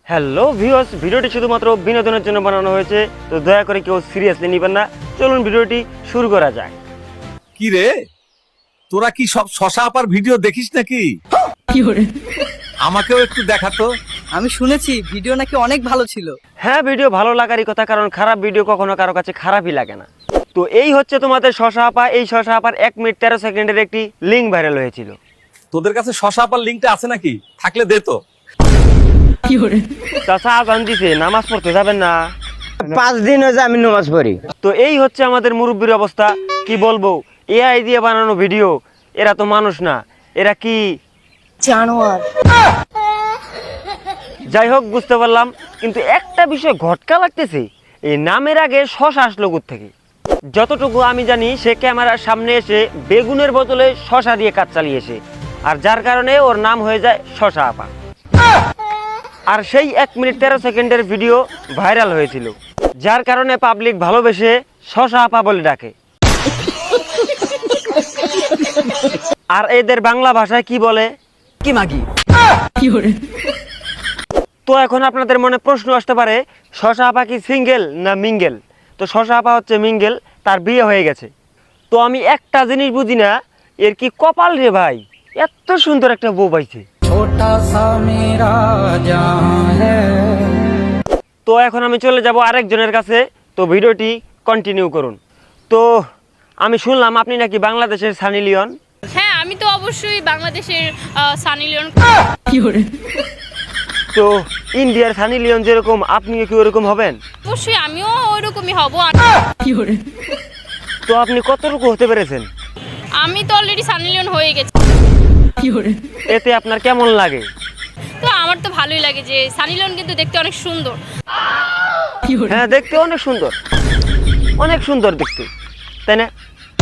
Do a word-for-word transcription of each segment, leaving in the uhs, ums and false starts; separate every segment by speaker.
Speaker 1: Hello viewers, ভিডিওটি শুধুমাত্র বিনোদনের জন্য বানানো হয়েছে, তো দয়া করে কেউ সিরিয়াসলি নেবেন না। চলুন ভিডিওটি শুরু করা যাক।
Speaker 2: কি রে, তোরা কি সব শশা আপার ভিডিও দেখিস নাকি? আমাকেও একটু দেখাতো।
Speaker 3: আমি শুনেছি ভিডিও নাকি অনেক ভালো ছিল।
Speaker 1: হ্যাঁ, ভিডিও ভালো লাগারই কথা, কারণ খারাপ ভিডিও কখনো কারো কাছে খারাপই লাগে না। তো এই হচ্ছে তোমাদের শশা আপা। এই শশা আপার এক মিনিট তেরো সেকেন্ডের একটি লিঙ্ক ভাইরাল হয়েছিল।
Speaker 2: তোদের কাছে শশা আপার লিঙ্কটা আছে নাকি? থাকলে দে তো।
Speaker 1: চাচা আজান দিছে, নামাজ পড়তে যাবেন না?
Speaker 4: পাঁচ দিন হয়েছে আমি নামাজ পড়ি।
Speaker 1: তো এই হচ্ছে আমাদের মুরব্বির অবস্থা। কি বলবো, এআই দিয়ে বানানো ভিডিও। এরা তো মানুষ না, এরা কি
Speaker 3: জানোয়ার।
Speaker 1: যাই হোক, বুঝতে পারলাম, কিন্তু একটা বিষয় ঘটকা লাগতেছে। এই নামের আগে শশা আসলো থেকে। যতটুকু আমি জানি, সে ক্যামেরার সামনে এসে বেগুনের বদলে শশা দিয়ে কাজ চালিয়েছে, আর যার কারণে ওর নাম হয়ে যায় শশা আপা। আর সেই এক মিনিট তেরো সেকেন্ডের ভিডিও ভাইরাল হয়েছিল, যার কারণে পাবলিক ভালোবেসে শশা আপা বলে ডাকে। আর এদের বাংলা ভাষায় কি বলে?
Speaker 3: কি মাগি।
Speaker 1: তো এখন আপনাদের মনে প্রশ্ন আসতে পারে, শশা আপা কি সিঙ্গেল না মিঙ্গেল? তো শশা আপা হচ্ছে মিঙ্গেল, তার বিয়ে হয়ে গেছে। তো আমি একটা জিনিস বুঝি না, এর কি কপাল রে ভাই, এত সুন্দর একটা বউ পাইছে। তো এখন আমি চলে যাব আরেকজনের কাছে। তো ভিডিওটি কন্টিনিউ করুন। তো আমি শুনলাম আপনি নাকি বাংলাদেশের সানি লিওন।
Speaker 5: হ্যাঁ, আমি তো অবশ্যই বাংলাদেশের সানি লিওন।
Speaker 1: তো ইন্ডিয়ার সানি লিওন যেরকম, আপনিও কি ওরকম হবেন?
Speaker 5: অবশ্যই আমিও ওরকমই হব।
Speaker 1: তো আপনি কতটুকু হতে পেরেছেন?
Speaker 5: আমি তো অলরেডি সানি লিওন হয়ে গেছি।
Speaker 1: এতে আপনার কেমন লাগে?
Speaker 5: তো আমার তো ভালোই লাগে, যে সানি লিওন কিন্তু দেখতে অনেক সুন্দর।
Speaker 1: হ্যাঁ, দেখতে অনেক সুন্দর, অনেক সুন্দর দেখতে, তাই না?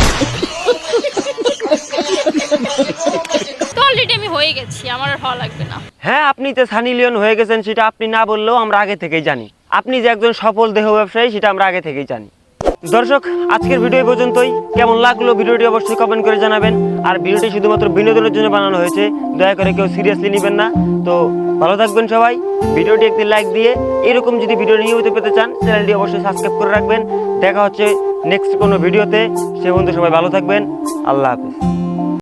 Speaker 5: তো অলরেডি আমি হয়ে গেছি, আমার আর হওয়া লাগবে না।
Speaker 1: হ্যাঁ, আপনি তো সানি লিওন হয়ে গেছেন, সেটা আপনি না বললেও আমরা আগে থেকেই জানি। আপনি যে একজন সফল দেহ ব্যবসায়ী, সেটা আমরা আগে থেকেই জানি। দর্শক, আজকের ভিডিও এই পর্যন্তই। কেমন লাগলো ভিডিওটি অবশ্যই কমেন্ট করে জানাবেন। আর ভিডিওটি শুধুমাত্র বিনোদনের জন্য বানানো হয়েছে, দয়া করে কেউ সিরিয়াসলি নেবেন না। তো ভালো থাকবেন সবাই। ভিডিওটি একটি লাইক দিয়ে এরকম যদি ভিডিও নিয়মিত পেতে চান, চ্যানেলটি অবশ্যই সাবস্ক্রাইব করে রাখবেন। দেখা হচ্ছে নেক্সট কোনো ভিডিওতে। সে পর্যন্ত সবাই ভালো থাকবেন। আল্লাহ হাফেজ।